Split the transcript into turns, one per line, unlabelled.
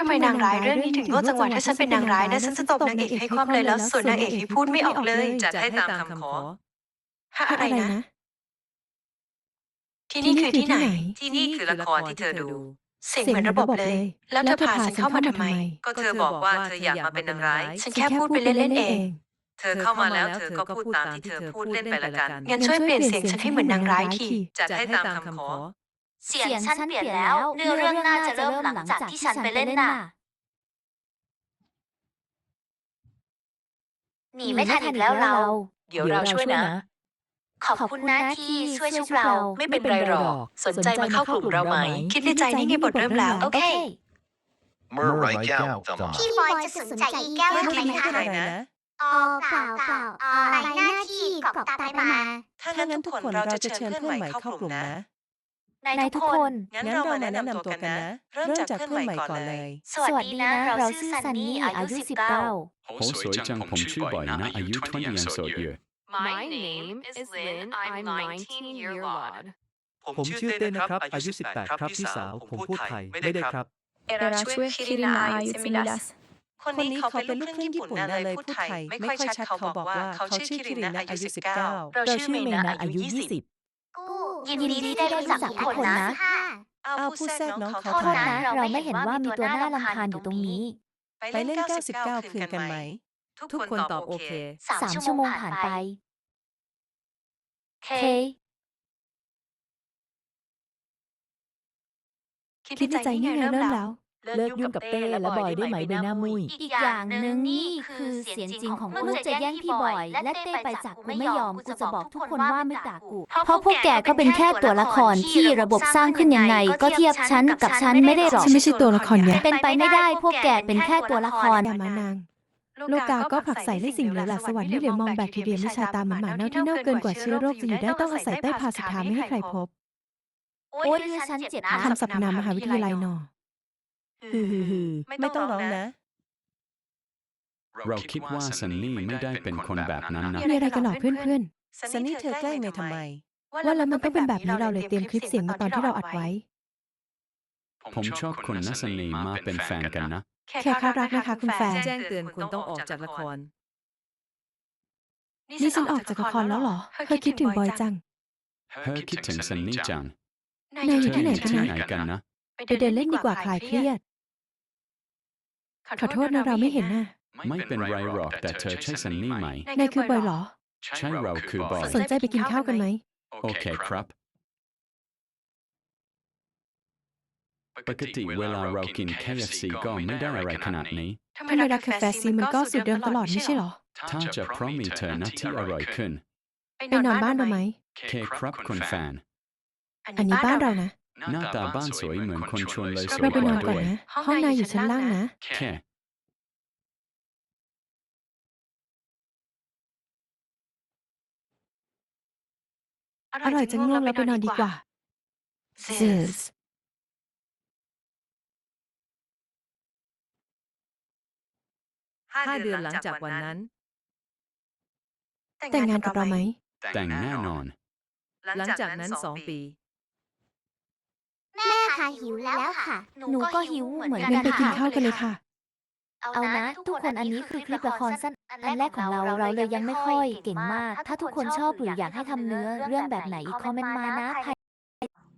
ทำไมนางร้ายเรื่องนี้ถึงโง่จังหวะถ้าฉันเป็นนางร้ายนะฉันจะตบนางเอกให้คว่ำเลยแล้วส่วนนางเอกให้พูดไม่ออกเลย
จัดให้ตามคำขอ
ฮะอะไรนะที่นี่คือที่ไหน
ที่นี่คือละครที่เธอดู
เสียงเหมือนระบบเลยแล้วเธอพาฉันเข้ามาทำไม
ก็เธอบอกว่าเธออยากมาเป็นนางร้าย
ฉันแค่พูดไปเล่นๆเอง
เธอเข้ามาแล้วเธอก็พูดตามที่เธอพูดเล่นไปละกัน
งั้นช่วยเปลี่ยนเสียงฉันให้เหมือนนางร้ายที
จัดให้ตามคำขอ
เสียงฉันเปลี่ยนแล้วเนื้อเรื่องน่าจะเริ่มหลังจากที่ฉันไปเล่นน่ะหนีไม่ทันอีกแล้วเรา
เดี๋ยวเราช่วยนะ
ขอบคุณนะที่ช่วยชุบเรา
ไม่เป็นไรหรอกสนใจมาเข้ากลุ่มเราไหม
คิดในใจนี่ไงบทเริ่มแล้ว
โอเค
เมื่อไรแก้วจะมา
พี่บอยจะสนใจอีแก้วทำไมคะเปล่ารายหน้าที่กอบตายมา
ถ้างั้นทุกคนเราจะเชิญเพื่อนใหม่เข้ากลุ่มนะ
นายทุกคน
งั้นเรามาแนะนำตัวกันนะเริ่มจากเพื่อนใหม่ก่อนเลย
สวัสดีนะเราชื่อซันนี่อายุ19
好สวยจังผมชื่อบอยนะอายุ20ยังโสดอยู่
My name is Lynn. I'm 19-year old.
ผมชื่อเต้นนะครับอายุ18ครับพี่สาวผมพูดไทยไม่ได้ครับ
Erachue Kirina Ayutsemidas
คนนี้เขาเป็นลูกครึ่งญี่ปุ่นนะเลยพูดไทยไม่ค่อยชัดเขาบอกว่าเขาชื่อคิรินะอายุ19
เราชื่อเมนะอายุ
ยินดีที่ได้รู้จักทุกคนนะ
เอาผู้แทรกน้องเขา
โทษนะเราไม่เห็นว่ามีตัวน่ารำคาญอยู่ตรงนี้
ไปเล่น99คืนกันไหมทุกคนตอบโอเค
3 ชั่วโมงผ่านไปเค
คิดในใจนี่ไงเริ่มแล้ว
เลิกยุ่งกับเต้และบอยได้ไหมใบหน้ามุ้ย
อีกอย่างหนึ่งนี่คือเสียงจริงของกูจะแย่งพี่บอยและเต้ไปจากกูไม่ยอมกูจะบอกทุกคนว่าไม่ด่ากูเพราะพวกแกก็เป็นแค่ตัวละครที่ระบบสร้างขึ้นยังไงก็เทียบฉันกับฉันไม่ได้หรอก
ฉันไม่ใช่ตัวละครเนี่ย
เป็นไปไม่ได้พวกแกเป็นแค่ตัวละคร
อย่ามานางโลกาก็ผลักใส่ในสิ่งเหลวแหลกสวรรค์ไม่เหลือมองแบคทีเรียไม่ชาตามหมาเน่าที่เน่าเกินกว่าเชื้อโรคจะอยู่ได้ต้องอาศัยใต้พาสุธาไม่ให้ใครพบ
โอ๊ยฉันเจ็บนะ
คำสรรพนามมหาวิทยาลัยนอ
ไม่ต้องร้องนะ
เราคิดว่าซันนี่ไม่ได้เป็นคนแบบนั้นนะ
มีอะไรกันหรอเพื่อน
ซันนี่เธอแกล้งเมย์ทำไม
ๆว่าแล้วมันต้องเป็นแบบนี้เราเลยเตรียมคลิปเสียงมาตอนที่เราอัดไว้
ผมชอบคุณนะซันนี่มาเป็นแฟนกันนะ
แค่รักนะคะคุณแฟน
แจ้งเตือนคุณต้องออกจากละคร
นี่ฉันออกจากละครแล้วเหรอเธอคิดถึงบอยจัง
เธอคิดถึงซันนี่จัง
นายอยู่ที่ไหนกัน
ที่
นะ
ไหนกันนะ
ไปเดินเล่นดีกว่าคลายเครียดขอโทษนะเราไม่เห็นน่ะ
ไม่เป็นไรหรอกแต่เธอใช่ซันนี่ไหม
นายคือบอยเหรอ
ใช่เราคือบอย
สนใจไปกินข้าวกันไหม
โอเคครับปกติเวลาเรากิน KFC ก็ไม่ได้อะไรขนาดนี้
ทำไมรักกาแฟซีมันก็สูตรเดิมตลอดไม่ใช่เหรอ
ถ้าจะเพราะมีเธอนะที่อร่อยขึ้น
ไปนอนบ้านเราไหม
เคครับคุณแฟน
อันนี้บ้านเรานะ
หน้าตาบ้านสวยเหมือนคนชวนเลยสวย
เราไป
ก
นอ
ว่าน
ก่อ
ด้
น
วย
นะ ห้องนายอยู่ชั้นล่างนะ
แค่
อร่อยจังง่วงแล้วไปนอนดีกว่า Zeus
5 เดือนหลังจากวันนั้น
แต่งงานกับเราไหม
แต่งแน่นอน
หลังจากนั้น2 ปี
แม่ค่ะหิวแล้วค่ะ หนูก็หิวเหมือน
งั้
กัน น
ไปกิน
ค่ะ
ข้าวกันเลยค่ะ
เอานะทุกคนอันนี้คือคลิปละครสั้นอันแรกของเราเลยยังไม่ค่อยเก่งมาก ถ้าทุกคนชอบหรืออยากให้ทำเนื้อเรื่องแบบไหนอีกคอมเมนต์มานะ